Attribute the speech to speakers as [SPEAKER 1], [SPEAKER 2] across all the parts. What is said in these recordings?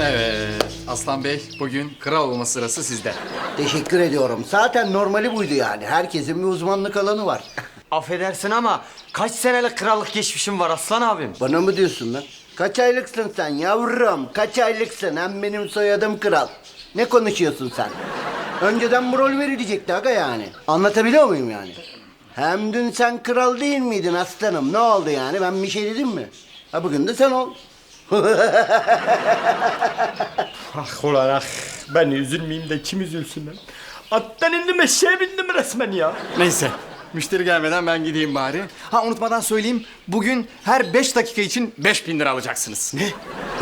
[SPEAKER 1] Evet, Aslan Bey bugün kral olma sırası sizde.
[SPEAKER 2] Teşekkür ediyorum. Zaten normali buydu yani. Herkesin bir uzmanlık alanı var.
[SPEAKER 3] Affedersin ama kaç senelik krallık geçmişim var Aslan abim?
[SPEAKER 2] Bana mı diyorsun lan? Kaç aylıksın sen yavrum? Kaç aylıksın? Hem benim soyadım kral. Ne konuşuyorsun sen? Önceden bu rol verilecekti aga yani. Anlatabiliyor muyum yani? Hem dün sen kral değil miydin aslanım? Ne oldu yani? Ben bir şey dedim mi? Ha bugün de sen ol.
[SPEAKER 3] Ah ulan ah. Ben üzülmeyeyim de kim üzülsün lan? Attan indim eşeğe bindim resmen ya.
[SPEAKER 1] Neyse, müşteri gelmeden ben gideyim bari. Ha unutmadan söyleyeyim, bugün her 5 dakika için 5.000 lira alacaksınız. Ne?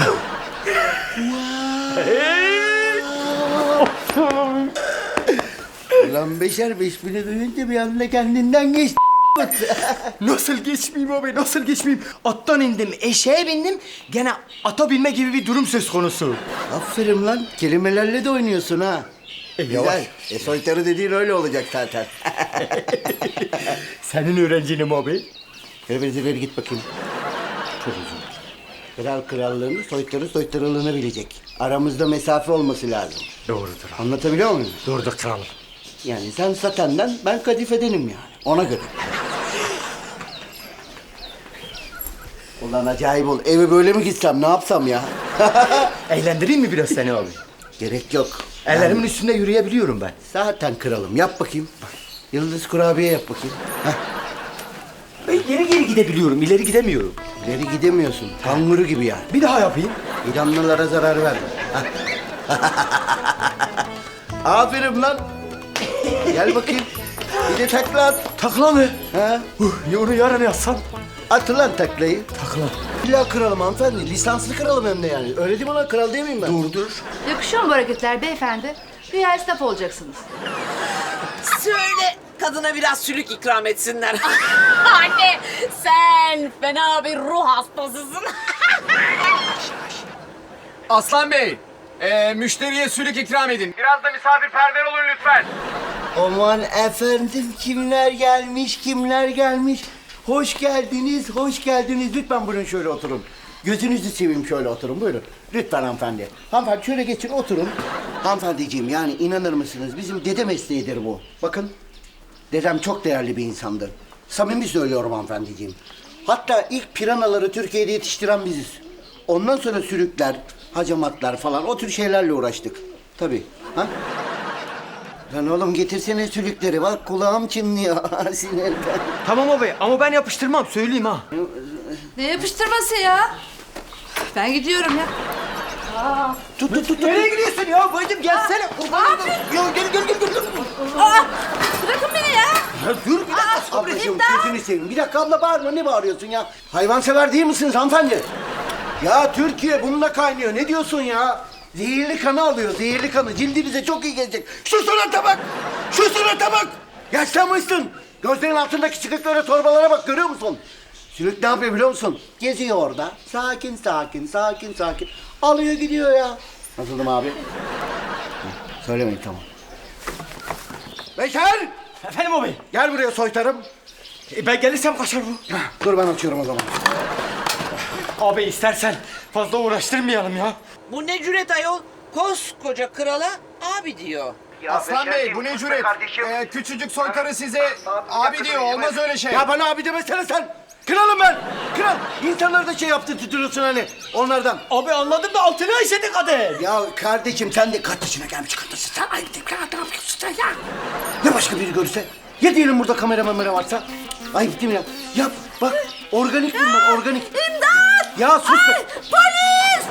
[SPEAKER 2] Ulan beşer 5.000'i duyunca bir anda kendinden geçti.
[SPEAKER 3] Nasıl geçmeyeyim abi, nasıl geçmeyeyim? Attan indim, eşeğe bindim. Gene ata binme gibi bir durum söz konusu.
[SPEAKER 2] Aferin lan. Kelimelerle de oynuyorsun ha.
[SPEAKER 3] yavaş.
[SPEAKER 2] Güzel. Soytarı dediğin öyle olacak zaten.
[SPEAKER 3] Senin öğrencinim abi.
[SPEAKER 2] Ver git bakayım. Çok uzun. Kral krallığını, soytarı soytarılığını bilecek. Aramızda mesafe olması lazım.
[SPEAKER 3] Doğrudur abi.
[SPEAKER 2] Anlatabiliyor muyum?
[SPEAKER 3] Doğrudur kralım.
[SPEAKER 2] Yani sen satenden, ben kadifedenim yani. Ona göre. Ulan acayip ol. Eve böyle mi gitsem, ne yapsam ya?
[SPEAKER 3] Eğlendireyim mi biraz seni abi?
[SPEAKER 2] Gerek yok.
[SPEAKER 3] Ellerimin üstünde yürüyebiliyorum ben.
[SPEAKER 2] Zaten kralım. Yap bakayım. Yıldız kurabiye yap bakayım. Heh.
[SPEAKER 3] Ben geri gidebiliyorum, ileri gidemiyorum.
[SPEAKER 2] İleri gidemiyorsun. Kanguru gibi yani.
[SPEAKER 3] Bir daha yapayım.
[SPEAKER 2] İranlılara zarar verme. Aferin lan. Gel bakayım. Bir de takla at.
[SPEAKER 3] Takla mı?
[SPEAKER 2] Ha?
[SPEAKER 3] Ya onu yarın yazsam.
[SPEAKER 2] At lan taklayı.
[SPEAKER 3] Takla.
[SPEAKER 2] İlla kralım hanımefendi. Lisanslı kralım hem de yani. Öyle değil mi lan? Kral değil miyim ben?
[SPEAKER 3] Dur.
[SPEAKER 4] Yakışıyor mu bu hareketler beyefendi? Güya esnaf olacaksınız.
[SPEAKER 5] Söyle kadına biraz sülük ikram etsinler.
[SPEAKER 6] Anne sen fena bir ruh hastasısın.
[SPEAKER 1] Aslan Bey, müşteriye sülük ikram edin. Biraz da misafirperver olun lütfen.
[SPEAKER 2] Aman efendim kimler gelmiş, kimler gelmiş. Hoş geldiniz, hoş geldiniz. Lütfen buyurun şöyle oturun. Gözünüzü seveyim şöyle oturun buyurun. Lütfen hanımefendi. Hanımefendi şöyle geçin oturun. Hanımefendiciğim yani inanır mısınız bizim dede mesleğidir bu. Bakın dedem çok değerli bir insandı. Samimi söylüyorum hanımefendiciğim. Hatta ilk piranaları Türkiye'de yetiştiren biziz. Ondan sonra sürükler, hacamatlar falan o tür şeylerle uğraştık. Tabii. Ha? Lan oğlum getirsene sülükleri bak kulağım çınlıyor sinirden.
[SPEAKER 3] Tamam abi ama ben yapıştırmam söyleyeyim ha.
[SPEAKER 4] Ne yapıştırması ya? Ben gidiyorum ya.
[SPEAKER 2] Tut.
[SPEAKER 3] Nereye gidiyorsun ya bacım gelsene.
[SPEAKER 2] Ya gel.
[SPEAKER 4] Bırakın beni ya.
[SPEAKER 2] Ya dur bir dakika sabracığım gözünü seveyim. Bir dakika abla bağırma ne bağırıyorsun ya? Hayvansever değil misiniz hanımefendi? Ya Türkiye bununla kaynıyor ne diyorsun ya? Zehirli kanı alıyor zehirli kanı cildinize çok iyi gelecek. Şu surata bak! Şu surata bak! Yaşlanmışsın. Gözlerin altındaki çıkıklara torbalara bak görüyor musun? Sülük ne yapıyor biliyor musun? Geziyor orada. Sakin. Alıyor gidiyor ya. Nasıldım abi? Heh, söylemeyin tamam. Beşer!
[SPEAKER 3] Efendim abi.
[SPEAKER 2] Gel buraya soytarım.
[SPEAKER 3] Ben gelirsem kaçar bu.
[SPEAKER 2] Dur ben açıyorum o zaman.
[SPEAKER 3] Abi istersen fazla uğraştırmayalım ya.
[SPEAKER 5] Bu ne cüret ayol? Koskoca krala abi diyor.
[SPEAKER 1] Aslan Bey, bu ne cüret? Küçücük soytarı size abi diyor, olmaz öyle şey.
[SPEAKER 2] Ya bana abi demesene sen. Kralım ben. Kral. İnsanları da şey yaptı tutuyorsun hani onlardan.
[SPEAKER 3] Abi anladım da altına işedi kader.
[SPEAKER 2] Ya kardeşim sen de kaç yaşına gelmiş kadınsın sen. Ayıp değil mi? Ne yapıyorsun sen ya? Ya başka biri görürse? Ya diyelim burada kamera varsa? Ayıp değil mi ya? Yap bak organik bunlar organik. İmdat! Ya sus be.
[SPEAKER 4] Polis!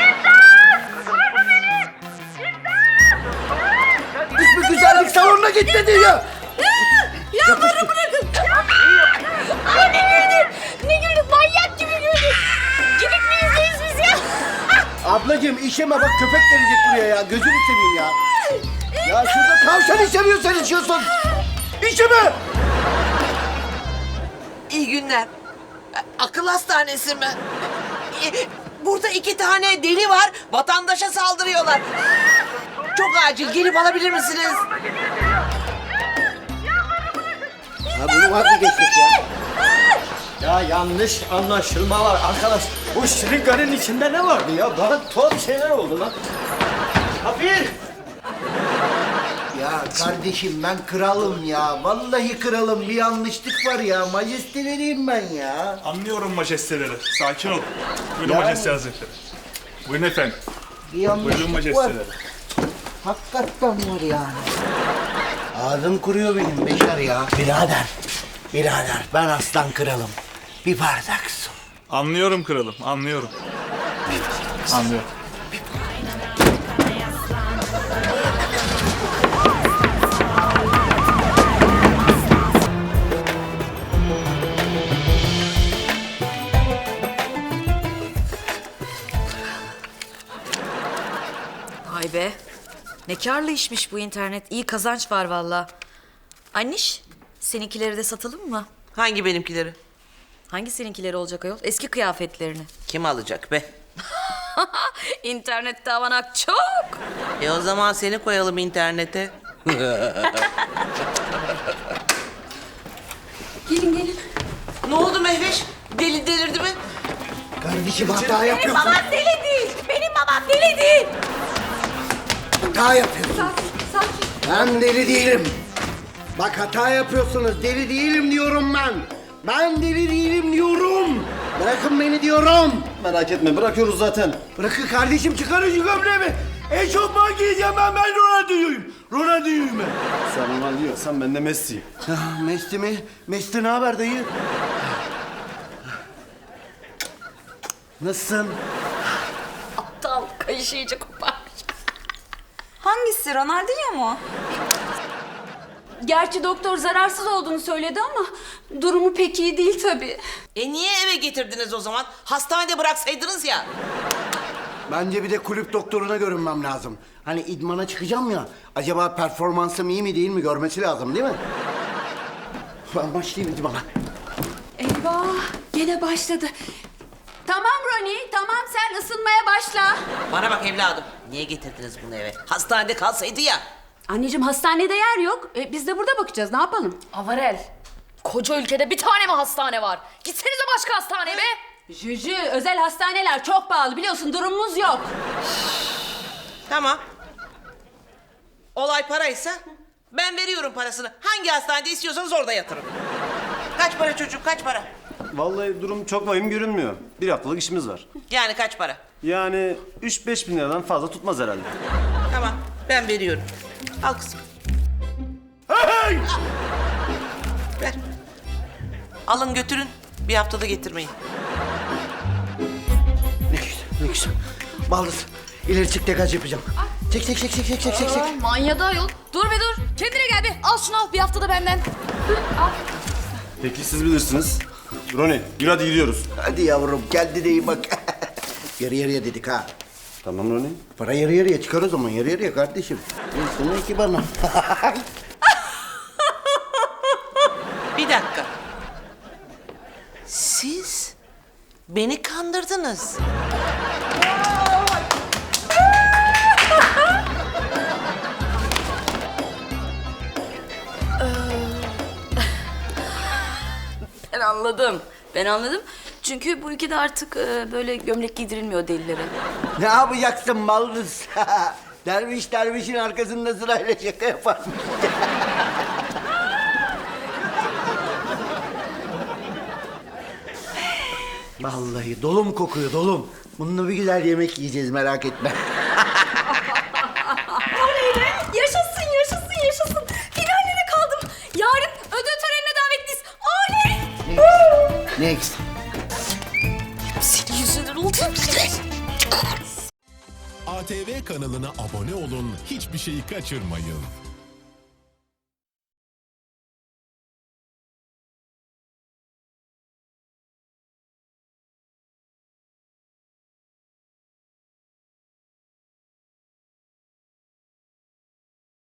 [SPEAKER 2] İsmi güzellik salonuna git dedi ya.
[SPEAKER 4] Ya bana bırakın.
[SPEAKER 6] Ay ne güldün? Ne güldün? Manyak gibi güldün. Gidip mi izleyiz biz ya?
[SPEAKER 2] Ablacığım işeme bak köpek gelecek buraya ya. Gözünü seveyim ya. Ya şurada tavşan işemiyor sen içiyorsun. İşeme.
[SPEAKER 5] İyi günler. Akıl hastanesi mi? Burada 2 tane deli var. Vatandaşa saldırıyorlar. Çok acil gelip alabilir misiniz?
[SPEAKER 2] Ya bunu vazgeçtik ya.
[SPEAKER 3] Ya yanlış anlaşılma var arkadaş. Bu şırınganın içinde ne vardı ya? Bana tuhaf şeyler oldu lan. Kapir!
[SPEAKER 2] Ya kardeşim ben kralım ya. Vallahi kralım, bir yanlışlık var ya. Majesteleriyim ben ya.
[SPEAKER 7] Anlıyorum majesteleri. Sakin ol. Buyurun
[SPEAKER 2] Yani-
[SPEAKER 7] majeste hazretleri. Buyurun efendim.
[SPEAKER 2] Bir
[SPEAKER 7] Buyurun
[SPEAKER 2] yanlışlık var.
[SPEAKER 7] majesteleri.
[SPEAKER 2] Hakikaten var yani. Ağzım kuruyor benim Beşer ya. Birader ben aslan kralım. Bir bardak su.
[SPEAKER 7] Anlıyorum kralım, anlıyorum. Anlıyorum.
[SPEAKER 4] Vay be. Ne karlı işmiş bu internet. İyi kazanç var valla. Anniş, seninkileri de satalım mı?
[SPEAKER 5] Hangi benimkileri?
[SPEAKER 4] Hangi seninkileri olacak ayol? Eski kıyafetlerini.
[SPEAKER 5] Kim alacak be?
[SPEAKER 4] İnternette avanak çok.
[SPEAKER 5] O zaman seni koyalım internete.
[SPEAKER 4] Gelin gelin.
[SPEAKER 5] Ne oldu Mehveş? Delirdi mi?
[SPEAKER 2] Kardeşim hata yapıyorsun.
[SPEAKER 6] Babam deli değil. Benim babam deli değil.
[SPEAKER 2] Hata yapıyorsun.
[SPEAKER 6] Sakin.
[SPEAKER 2] Ben deli değilim. Bak hata yapıyorsunuz. Deli değilim diyorum ben. Ben deli değilim diyorum. Bırakın beni diyorum.
[SPEAKER 3] Merak etme bırakıyoruz zaten.
[SPEAKER 2] Bırakın kardeşim, çıkarın şu gömleğimi. Eşofman giyeceğim ben Ronaldinho'yum. Ronaldinho'yum ben.
[SPEAKER 3] Sen Ronaldo diyorsan ben de Messi'yim.
[SPEAKER 2] Messi mi? Messi ne haber dayı? Nasılsın?
[SPEAKER 4] Aptal kayışı iyice koparmış.
[SPEAKER 8] Hangisi? Ronaldinho mu?
[SPEAKER 6] Gerçi doktor zararsız olduğunu söyledi ama durumu pek iyi değil tabii.
[SPEAKER 5] Niye eve getirdiniz o zaman? Hastanede bıraksaydınız ya.
[SPEAKER 2] Bence bir de kulüp doktoruna görünmem lazım. Hani idmana çıkacağım ya. Acaba performansım iyi mi değil mi görmesi lazım değil mi? Ben başlayayım idmana.
[SPEAKER 6] Eyvah gene başladı. Tamam Roni, tamam sen ısınmaya başla.
[SPEAKER 5] Bana bak evladım. Niye getirdiniz bunu eve? Hastanede kalsaydı ya.
[SPEAKER 6] Anneciğim hastanede yer yok. Biz de burada bakacağız, ne yapalım?
[SPEAKER 4] Avarel. Koca ülkede bir tane mi hastane var? Gitsenize başka hastaneye be.
[SPEAKER 6] Jüjü, özel hastaneler çok pahalı biliyorsun, durumumuz yok.
[SPEAKER 5] Tamam. Olay paraysa ben veriyorum parasını. Hangi hastanede istiyorsanız orada yatırın. Kaç para çocuğum, kaç para?
[SPEAKER 9] Vallahi durum çok vahim görünmüyor. Bir haftalık işimiz var.
[SPEAKER 5] Yani kaç para?
[SPEAKER 9] Yani 3-5 bin liradan fazla tutmaz herhalde.
[SPEAKER 5] Tamam, ben veriyorum. Al kızım. Ver. Alın götürün. Bir haftada getirmeyin.
[SPEAKER 2] Ne güzel, ne güzel. Baldız, ileri çık degaj yapacağım. Çek.
[SPEAKER 4] Manyadı ayol. Dur be dur. Kendine gel bir. Al şunu al bir haftada benden.
[SPEAKER 9] Peki siz bilirsiniz. Roni, yürü hadi gidiyoruz.
[SPEAKER 2] Hadi yavrum, geldi de iyi bak. Yarı yarıya dedik ha.
[SPEAKER 9] Tamam Roni.
[SPEAKER 2] Para yarı yarıya çıkar o zaman, yarı yarıya kardeşim. Sana iki bana.
[SPEAKER 5] Bir dakika. Siz beni kandırdınız.
[SPEAKER 4] Ben anladım. Çünkü bu ülkede artık böyle gömlek giydirilmiyor delilere.
[SPEAKER 2] Ne yapacaksın baldız? Derviş dervişin arkasında sırayla şaka yaparmış. Vallahi dolum kokuyor, dolum. Bununla bir güzel yemek yiyeceğiz, merak etme.
[SPEAKER 6] Yaşasın. Finaline kaldım. Yarın ödül törenine davetliyiz. Oley!
[SPEAKER 2] Next.
[SPEAKER 4] Senin yüzünden oldu.
[SPEAKER 10] ATV kanalına abone olun, hiçbir şeyi kaçırmayın.